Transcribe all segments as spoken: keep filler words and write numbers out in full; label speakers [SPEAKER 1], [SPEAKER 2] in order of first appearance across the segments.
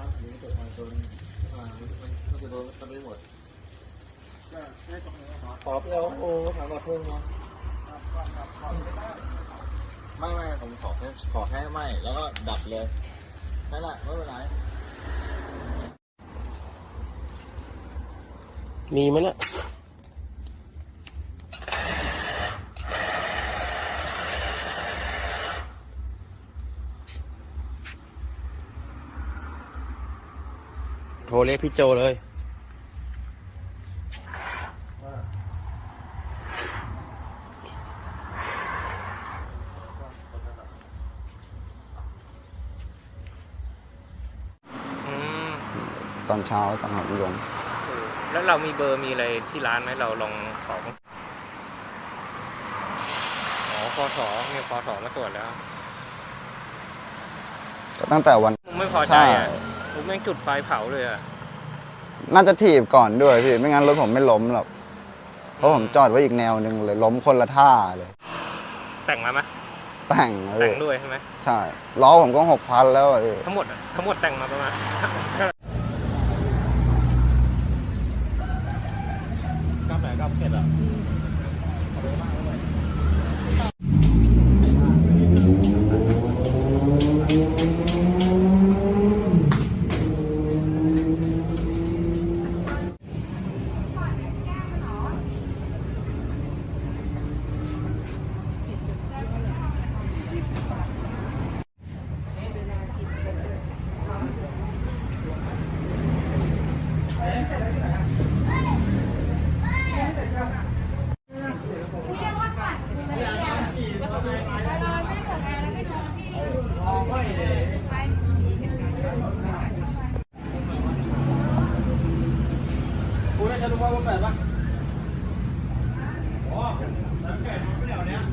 [SPEAKER 1] นะหรือเกิดการโดนอ่ามันมันจะโดนกันไปหมดก็ได้ตรงนี้ครับขอเปรี้ยวโอ้ถามว่าเพิ่มเนาะไม่ไม่ผมขอแค่ขอแค่ไม่แล้วก็ดับเลยนั่นแหละไม่เป็นไร
[SPEAKER 2] มีไหมเนี่ยโทรเรียกพี่โจเลย
[SPEAKER 3] ตอนเช้าตอนหับยง
[SPEAKER 4] แล้วเรามีเบอร์มีอะไรที่ร้านไหมเราลองขออ๋อคอสอเนี่ยคอสอมาตรวจแล้ว
[SPEAKER 3] ตั้งแต่วัน
[SPEAKER 4] ผมไม่พอใจอ่ะผมแม่งจุดไฟเผาเลยอ่ะ
[SPEAKER 3] น่าจะถีบก่อนด้วยพี่ไม่งั้นรถผมไม่ล้มหรอกเพราะผมจอดไว้อีกแนวหนึ่งเลยล้มคนละท่าเลย
[SPEAKER 4] แต่งมาไหม
[SPEAKER 3] แต่ง
[SPEAKER 4] แต่งด้วยใช่ไหม
[SPEAKER 3] ใช่ล้อผมก็หกพันแล้ว
[SPEAKER 4] ทั้งหมดทั้งหมดแต่งมาประมาณก้าวไหนก้าวเผ็ดอ่ะกูได้จะรู้ว่าว่าแบบว่าอ๋อน้ำแข็งไม่เหนียวเนี้ย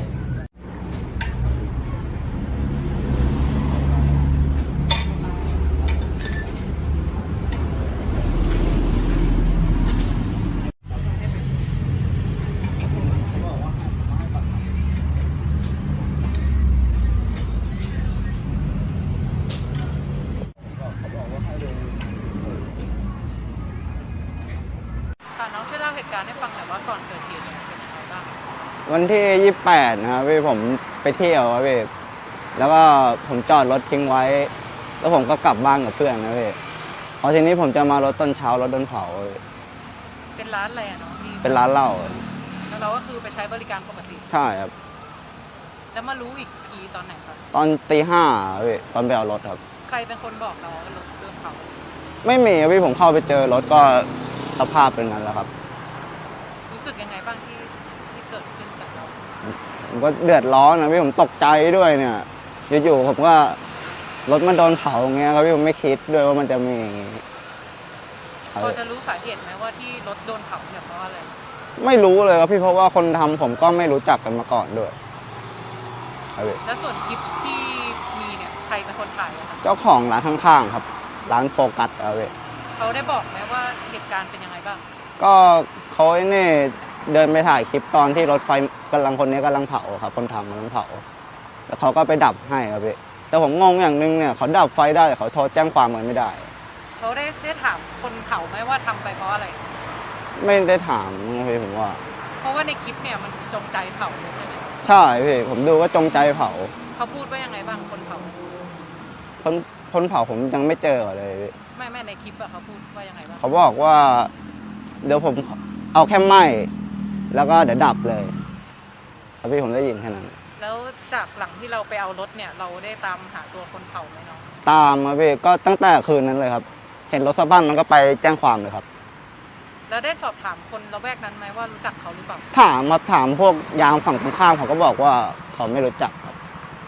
[SPEAKER 5] น้องช่วยเล่าเหตุการณ์ให้ฟังหน่อยว่าก่อนเกิดเหตุเนี่ยเป็นยังไงบ้าง
[SPEAKER 3] วันที่ยี่สิบแปดนะครับพี่ผมไปเที่ยวครับพี่แล้วก็ผมจอดรถทิ้งไว้แล้วผมก็กลับบ้านกับเพื่อนนะพี่พอทีนี้ผมจะมารถตอนเช้ารถโดนเผา
[SPEAKER 5] เป็นร้านอะไรอะเนาะ
[SPEAKER 3] เป็นร้านเหล้า
[SPEAKER 5] แล้วเราก็คือไปใช้บริการปกติ
[SPEAKER 3] ใช่ครับ
[SPEAKER 5] แล้วมารู้อีกทีตอนไหนครับ
[SPEAKER 3] ตอนตีห้าพี่ตอนไปเอารถครับ
[SPEAKER 5] ใครเป็นคนบอกเราว่ารถโดนเผา
[SPEAKER 3] ไม่มีครับพี่ผมเข้าไปเจอรถก็สภาพเป็นนั้นแล้วครับ
[SPEAKER 5] รู้สึกยังไงบ้างที่ที่เกิดขึ้นกับเรา
[SPEAKER 3] ผมก็เดือดร้อนนะพี่ผมตกใจด้วยเนี่ยอยู่ๆผมก็รถมันโดนเผาอย่างเงี้ยครับพี่ผมไม่คิดด้วยว่ามันจะมีอย่างงี้
[SPEAKER 5] พอจะรู้สาเหตุไหมว่าที่รถโดนเผาเนี่ยเพราะอะไร
[SPEAKER 3] ไม่รู้เลยครับพี่เพราะว่าคนทำผมก็ไม่รู้จักกันมาก่อนด้วย
[SPEAKER 5] แล้วส่วนคลิปที่มีเนี่ยใครเป็นคนถ่าย
[SPEAKER 3] เจ้าของร้านข้างๆครับร้านโฟกัสเอาไว้
[SPEAKER 5] เขาได้บอกไหมว่าเหตุการณ์เป็นยังไงบ้าง
[SPEAKER 3] ก็เขาเนี่ยเดินไปถ่ายคลิปตอนที่รถไฟกำลังคนนี้กำลังเผาครับคนทำกำลังเผาแล้วเขาก็ไปดับให้ครับพี่แต่ผมงงอย่างนึงเนี่ยเขาดับไฟได้แต่เขาโทรแจ้งความมันไม่ได้
[SPEAKER 5] เขาได้ได้ถามคนเผาไหมว่าทำไปเพราะอะไร
[SPEAKER 3] ไม่ได้ถามนะพี่ผมว่า
[SPEAKER 5] เพราะว่าในคลิปเนี่ยมันจงใจเผาใช่ไหม
[SPEAKER 3] ใช่พี่ผมดูว่าจงใจเผา
[SPEAKER 5] เขาพูดว่ายังไงบ้างคนเผา
[SPEAKER 3] คนคนเผาผมยังไม่เจอเลยพี่
[SPEAKER 5] ไม่ไม่ในคลิปอะเขาพูดว่ายังไงบ้าง
[SPEAKER 3] เขาบอกว่าเดี๋ยวผมเอาแค่ไหม้แล้วก็เดี๋ยวดับเลยครับพี่ผมได้ยินแค่นั้น
[SPEAKER 5] แล้วจากหลังที่เราไปเอารถเนี่ยเราได้ตามหาตัวคนเผาไหมน้อง
[SPEAKER 3] ตามครับพี่ก็ตั้งแต่คืนนั้นเลยครับเห็นรถสะบั้นมันก็ไปแจ้งความเลยครับ
[SPEAKER 5] แล้วได้สอบถามคนละแวกนั้นไหมว่ารู้จักเขาหรือเปล่า
[SPEAKER 3] ถามมาถามพวกยามฝั่งตรงข้ามเขาก็บอกว่าเขาไม่รู้จักครับ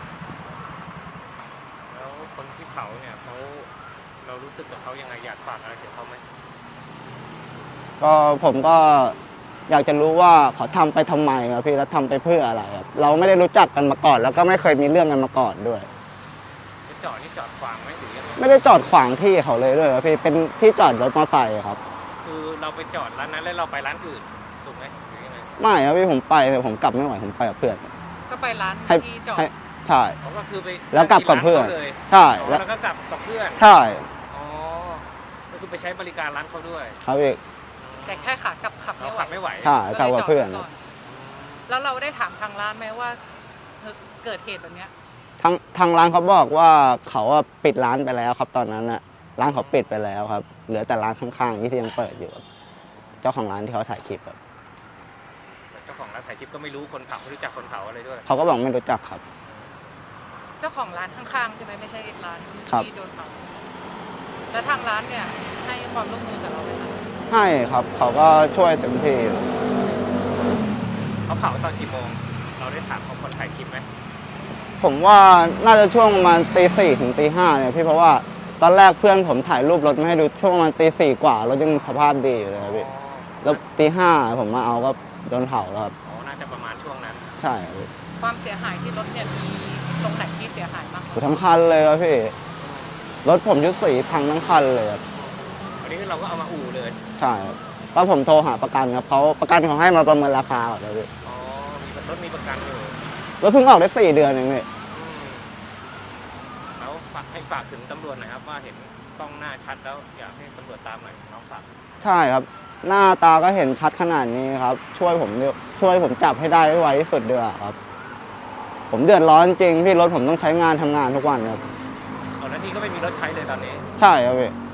[SPEAKER 4] แล้วคนที่เผาเนี่ยเขาเรารู้สึกกับเขายังไงอยากฝากอะไรถึงเขาไหม
[SPEAKER 3] ก็ผมก็อยากจะรู้ว่าเขาทำไปทำไมครับพี่แล้วทำไปเพื่ออะไรครับเราไม่ได้รู้จักกันมาก่อนแล้วก็ไม่เคยมีเรื่องกันมาก่อนด้วย
[SPEAKER 4] จอดนี่จอดขวางไหมหรือยังไง
[SPEAKER 3] ไม่ได้จอดขวางที่เขาเลยด้วยครับพี่เป็นที่จอดรถมอเตอร์ไซค์ครับ
[SPEAKER 4] คือเราไปจอดร้านนั้นแล้วเราไปร้านอื่นถูกไหมหรือยังไง
[SPEAKER 3] ไม่ครับพี่ผมไปเลยผมกลับไม่ไหวผมไปกับเพื่อน
[SPEAKER 5] ก็ไปร้านที่จอด
[SPEAKER 3] ใช่
[SPEAKER 4] ก็คือไป
[SPEAKER 3] แล้วกลับกับเพื่อน
[SPEAKER 4] เลย
[SPEAKER 3] ใช่
[SPEAKER 4] แล้วก็กลับกับเพื่อน
[SPEAKER 3] ใช่
[SPEAKER 4] อ๋อคือไปใช้บริการร้านเขาด้วย
[SPEAKER 3] ครับพี่
[SPEAKER 5] แต่แค่ขากลับขับ
[SPEAKER 4] เรา
[SPEAKER 5] ไม่ไหว
[SPEAKER 4] ขับไม่ไหว
[SPEAKER 3] ใช่ขับกับเพื่อน
[SPEAKER 5] ก็ลยจดไว้ก่แล้วเราได้ถามทางร้านไหมว่าเกิดเหตุแบบเนี้ย
[SPEAKER 3] ทางทางร้านเขาบอกว่าเขาอะปิดร้านไปแล้วครับ ตอนนั้นอะร้านเขาปิดไปแล้วครับ เหลือแต่ร้านข้างๆที่ยังเปิดอยู่ครับเจ้าของร้านที่เขาถ่ายคลิปครับ
[SPEAKER 4] เจ้าของร้านถ่ายคลิปก็ไม่รู้คนเผาไม่รู้จักคนเผาอะไรด้วย
[SPEAKER 3] เขาก็บอกไม่รู้จักครับ
[SPEAKER 5] เจ้าของร้านข้างๆใช่ไหมไม่ใช่ร้าน
[SPEAKER 3] ครับ
[SPEAKER 5] ที่โดนเผาแล้วทางร้านเนี่ยให้ความร่วมมือกับเราไหมคะ
[SPEAKER 3] ให้ครับเขาก็ช่วยเต็มที่
[SPEAKER 4] เขาเผาตอนกี่โมง เราได้ถามเขาคนถ่ายคลิปไหม
[SPEAKER 3] ผมว่าน่าจะช่วงประมาณตีสี่ถึงตีห้าเนี่ยพี่เพราะว่าตอนแรกเพื่อนผมถ่ายรูปรถมาให้ดูช่วงประมาณตีสี่กว่ารถยังสภาพดีอยู่เลยครับพี่แล้วตีห้าผมมาเอาก็โดนเผาแล้วครับ
[SPEAKER 4] อ๋อ น่าจะประมาณช่วงนั้น
[SPEAKER 3] ใช่ครับพี่
[SPEAKER 5] ความเสียหายที่รถเนี่ยมีตรงไหนที่เสียหายบ้าง
[SPEAKER 3] อยู่ทั้งคันเลยครับพี่รถผมยุดสีพังทั้งคันเลยครับ
[SPEAKER 4] อันนี้เราก็เอามาอู่เลย
[SPEAKER 3] ใช่ครับแล้วผมโทรหาประกันครับเขาประกันเขาให้มาประเมินราคาก่อนเลยพี่
[SPEAKER 4] อ๋อ มีรถมีประกันอยู่
[SPEAKER 3] รถเพิ่งออกได้สี่เดือนเองพี่
[SPEAKER 4] อืมแล้วฝากให้ฝากถึงตำรวจหน่อยครับว่าเห็นกล้องหน้าชัดแล้วอยากให้ตำรวจตามหน่อยน้องฝาก
[SPEAKER 3] ใช่ครับ หน้าตาก็เห็นชัดขนาดนี้ครับ ช่วยผมด้วยช่วยผมจับให้ได้ให้ไวที่สุดด้วยครับ ผมเดือดร้อนจริงพี่รถผมต้องใช้งานทำงานทุกวันครับ
[SPEAKER 4] อ๋อแล้วนี่ก็ไม่มีรถใช้เลยตอนนี้
[SPEAKER 3] ใช่ครับพี่
[SPEAKER 4] อ